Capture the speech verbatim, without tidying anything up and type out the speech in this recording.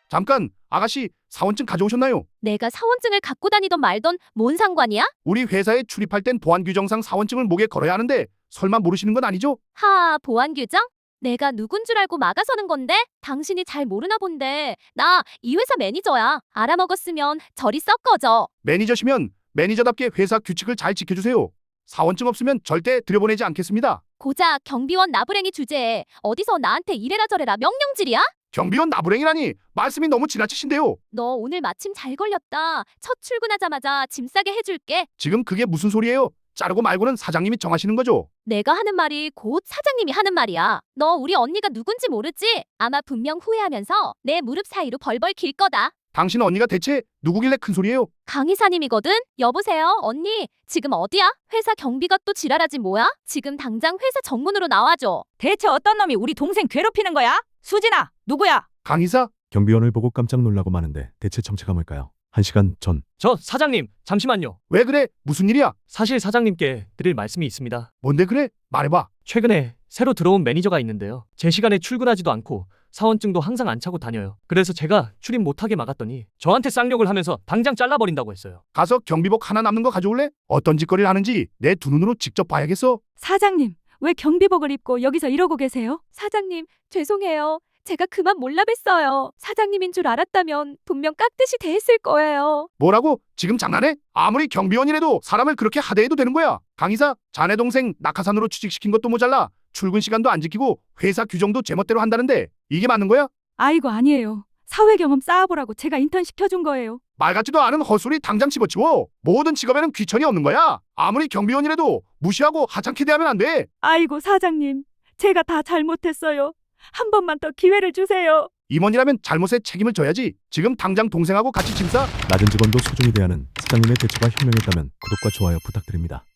잠깐, 아가씨 사원증 가져오셨나요? 내가 사원증을 갖고 다니던 말던 뭔 상관이야? 우리 우리 회사에 출입할 땐 보안 규정상 사원증을 목에 걸어야 하는데 설마 모르시는 건 아니죠? 하, 보안 규정? 내가 누군 줄 알고 막아서는 건데? 당신이 잘 모르나 본데. 나 이 회사 매니저야. 알아먹었으면 저리 썩 꺼져. 매니저시면 매니저답게 회사 규칙을 잘 지켜주세요. 사원증 없으면 절대 들여보내지 않겠습니다. 고작 경비원 나부랭이 주제에 어디서 나한테 이래라 저래라 명령질이야? 경비원 나부랭이라니 말씀이 너무 지나치신데요. 너 오늘 마침 잘 걸렸다. 첫 출근하자마자 짐 싸게 해줄게. 지금 그게 무슨 소리예요? 자르고 말고는 사장님이 정하시는 거죠. 내가 하는 말이 곧 사장님이 하는 말이야. 너 우리 언니가 누군지 모르지? 아마 분명 후회하면서 내 무릎 사이로 벌벌 길 거다. 당신 언니가 대체 누구길래 큰 소리예요? 강 이사님이거든? 여보세요, 언니. 지금 어디야? 회사 경비가 또 지랄하지 뭐야? 지금 당장 회사 정문으로 나와줘. 대체 어떤 놈이 우리 동생 괴롭히는 거야? 수진아, 누구야? 강이사? 경비원을 보고 깜짝 놀라고 마는데 대체 정체가 뭘까요? 한 시간 전 저 사장님, 잠시만요. 왜 그래? 무슨 일이야? 사실 사장님께 드릴 말씀이 있습니다. 뭔데 그래? 말해봐. 최근에 새로 들어온 매니저가 있는데요. 제 시간에 출근하지도 않고 사원증도 항상 안 차고 다녀요. 그래서 제가 출입 못하게 막았더니 저한테 쌍욕을 하면서 당장 잘라버린다고 했어요. 가서 경비복 하나 남는 거 가져올래? 어떤 짓거리를 하는지 내 두 눈으로 직접 봐야겠어. 사장님, 왜 경비복을 입고 여기서 이러고 계세요? 사장님, 죄송해요. 제가 그만 몰라뵀어요. 사장님인 줄 알았다면 분명 깍듯이 대했을 거예요. 뭐라고? 지금 장난해? 아무리 경비원이라도 사람을 그렇게 하대해도 되는 거야. 강이사, 자네 동생 낙하산으로 취직시킨 것도 모자라 출근 시간도 안 지키고 회사 규정도 제멋대로 한다는데 이게 맞는 거야? 아이고, 아니에요. 사회 경험 쌓아보라고 제가 인턴 시켜준 거예요. 말 같지도 않은 헛소리 당장 집어치워. 모든 직업에는 귀천이 없는 거야. 아무리 경비원이라도 무시하고 하찮게 대하면 안 돼. 아이고, 사장님. 제가 다 잘못했어요. 한 번만 더 기회를 주세요. 임원이라면 잘못에 책임을 져야지. 지금 당장 동생하고 같이 짐 싸. 낮은 직원도 소중히 대하는 사장님의 대처가 현명했다면 구독과 좋아요 부탁드립니다.